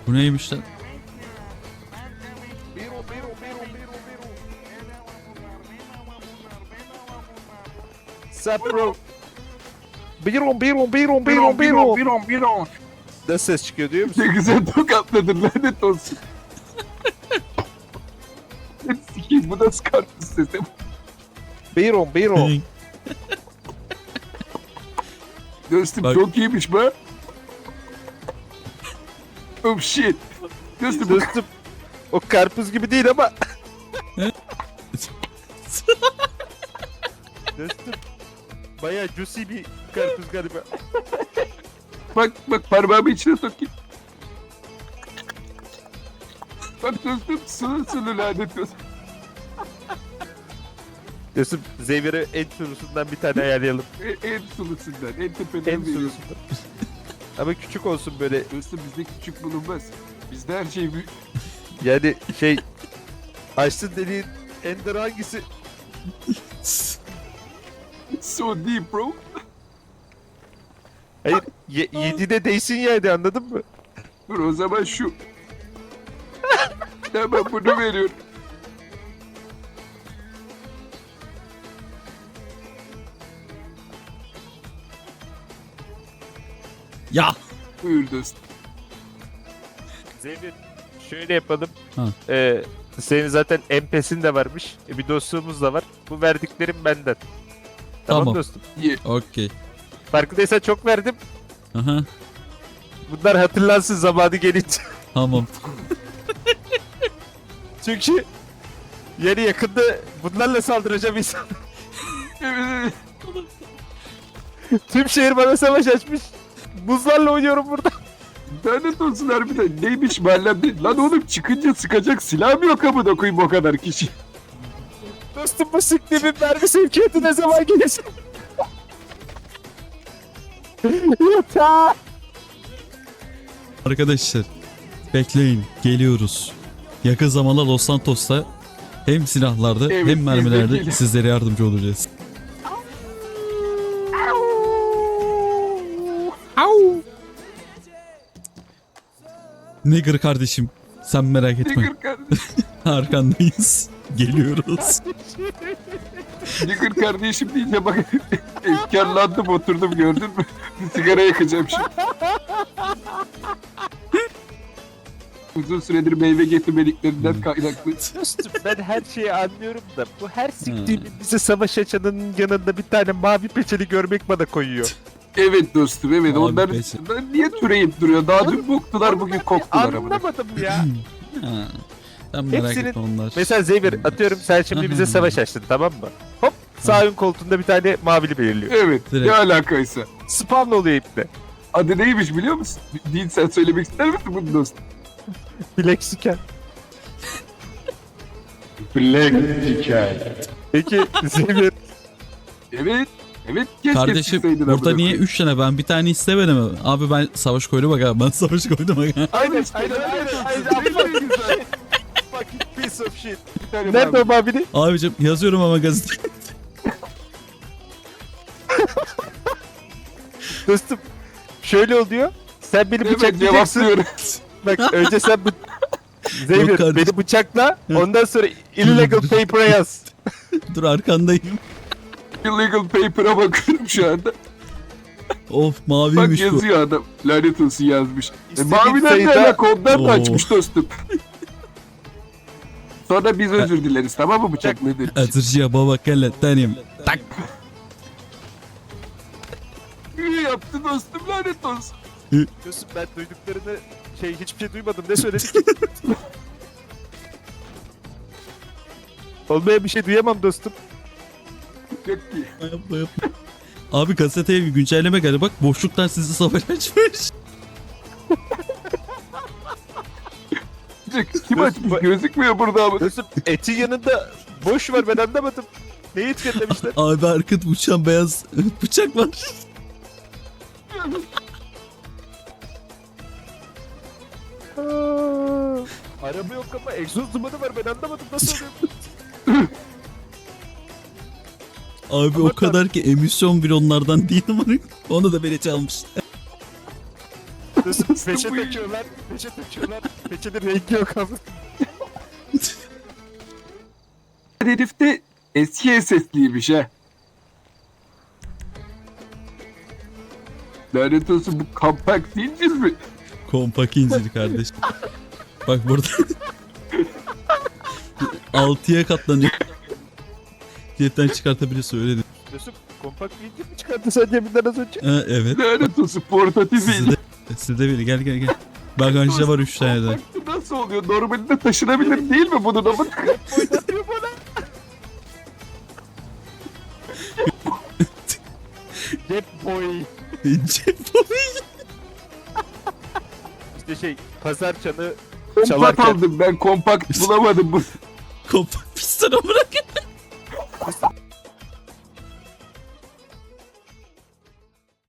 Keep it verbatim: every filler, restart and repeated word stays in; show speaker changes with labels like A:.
A: Bu neymiş lan?
B: Sapro. Biron biron biron biron biron biron biron. Ne ses çıkıyor diyor musun?
C: Ne güzel tokatladın lanet olsun. Sikiyim bu nasıl karpuz sesi?
B: Biron biron.
C: Dostum
A: Bak.
C: çok iyiymiş be. Oh shit. Dostum bu
B: Dostum o karpuz gibi değil ama. Dostum bayağı juicy bir karpuz galiba.
C: bak bak parmağımı içine sokayım. Bak dostum sulu sulu lanet olsun.
B: Dostum Zeynep'e en sulusundan bir tane ayarlayalım.
C: En, en sulusundan, en tepeden
B: En
C: veriyorum.
B: sulusundan. Ama küçük olsun böyle.
C: Dostum bizde küçük bulunmaz. Bizde her şey büyük.
B: Yani şey açtın dediğin ender hangisi?
C: So deep bro.
B: Hayır ye, yediğine değsin yani anladın mı?
C: Dur o zaman şu. Tamam bunu veriyorum.
A: Ya.
C: Buyur dostum.
B: Zeynep şöyle yapalım.
A: Ha.
B: Ee, senin zaten M P S'in de varmış. E, bir dostluğumuz da var. Bu verdiklerim benden. Tamam,
A: Tamam.
B: dostum.
C: Ye.
A: Okey.
B: Farkındaysan çok verdim.
A: Aha.
B: Bunlar hatırlansın zamanı gelince.
A: Tamam.
B: Çünkü yani yakında bunlarla saldıracağım insan.
C: Evet,
B: Tüm şehir bana savaş açmış. Buzlarla oynuyorum burada.
C: lanet olsun harbiden. Neymiş mahallemde? Lan oğlum çıkınca sıkacak silah mı yok amına koyayım o kadar kişi?
B: Dostum bu siktiğimin mermi sevkiyatı ne zaman gelecek? Yeter.
A: Arkadaşlar bekleyin, geliyoruz. Yakın zamanda Los Santos'ta hem silahlarda
C: Evet,
A: hem
C: biz de
A: mermilerde
C: geliyoruz.
A: sizlere yardımcı olacağız. Nigger kardeşim, sen merak etme.
C: Nigger kardeşim.
A: Arkandayız. Geliyoruz.
C: Nigger kardeşim deyince bak efkarlandım oturdum gördün mü? Sigara yakacağım şimdi. Uzun süredir meyve getirmediklerinden kaynaklı.
B: Dostum ben her şeyi anlıyorum da bu her siktiğimin bize savaş açanın yanında bir tane mavi peçeli görmek bana koyuyor.
C: Evet dostum evet
A: Abi
C: onlar
A: peki.
C: onlar niye türeyip duruyor? Daha dün boktular bugün koktular ama.
B: Anlamadım ya.
A: Ha, sen merak
B: Hepsinin-
A: etme onlar.
B: Mesela Zeynep atıyorum sen şimdi bize savaş açtın tamam mı? Hop sağ ön koltuğunda bir tane mavili belirliyor.
C: Evet
A: Direkt.
C: ne alakaysa.
B: Spawn oluyor iple.
C: Adı neymiş biliyor musun? Değil sen söylemek ister misin bunu dostum?
B: Black Scan.
C: Black hikaye.
B: Peki Zeynep
C: Evet. Evet keşke
A: Kardeşim
C: çıksaydın
A: burada
C: amına
A: niye
C: koyayım.
A: üç tane, ben bir tane istemedim. Abi ben savaş koydum bak abi, ben savaş koydum bak.
B: aynen
C: işte,
B: aynen
C: lanet
B: aynen
C: olsun.
B: aynen.
C: Ne güzel.
B: Fucking piece of shit.
C: Bir tane
B: Nerede
C: daha-
B: o mavili?
A: Abicim yazıyorum ama gazete.
B: Dostum şöyle oluyor. Sen beni
C: Evet
B: bıçaklayacaksın.
C: cevaplıyorum.
B: Bak önce sen bu... Zeynep
A: kardeşim.
B: beni bıçakla ondan sonra illegal paper'a yaz.
A: Dur arkandayım.
C: Illegal paper'a bakıyorum şu anda.
A: Of
C: Bak
A: maviymiş bu.
C: yazıyor adam. Lanet olsun yazmış. E,
B: İstediğin
C: maviler ne
B: sayıda-
C: alaka ondan da
A: Oo.
C: açmış dostum. Sonra biz özür dileriz tamam mı bıçak nedir?
A: Atırcıya baba kelle tanim. Tak.
C: İyi yaptı dostum lanet olsun.
B: Dostum ben duyduklarını şey hiçbir şey duymadım. Ne söyledik ki? Olmaya bir şey duyamam dostum.
C: Çok iyi.
A: Yapma yapma. Abi gazeteye bir güncelleme geldi bak, boşluklar sizi savaş açmış.
C: Kim açmış gözükmüyor burada ama.
B: Dostum etin yanında boş var ben anlamadım. Neyi etiketlemişler?
A: Abi arkada uçan beyaz bıçak var.
B: Aa, araba yok ama egzoz dumanı var ben anlamadım nasıl oluyor?
A: Abi
B: Ama
A: o kadar ki emisyon bile onlardan değil ama onu da beni çalmış.
C: Dostum
B: Peçe
C: bu-
B: takıyorlar, peçe takıyorlar. Peçenin rengi yok abi.
C: Herif de eski S S'liymiş ha. Lanet olsun, bu kompakt değildir mi?
A: Kompak incir kardeşim. Bak burada altıya katlanıyor. Cihetten çıkartabiliyorsun öyle değil.
B: Mesut kompakt bir mi çıkarttı sen cebinden az önce?
A: Ha, evet.
C: Lanet olsun, portatif
A: Sizde
C: değil.
A: de, sizde biri gel gel gel. Bagajda var üç tane de.
C: Kompakt nasıl oluyor? Normalde taşınabilir değil mi bunun ama?
B: Oynatıyor bana. Cep boy.
A: Cep
B: İşte şey pazar çanı
C: Kompakt
B: çalarken
C: aldım ben, kompakt bulamadım bu.
A: kompak piston bırak.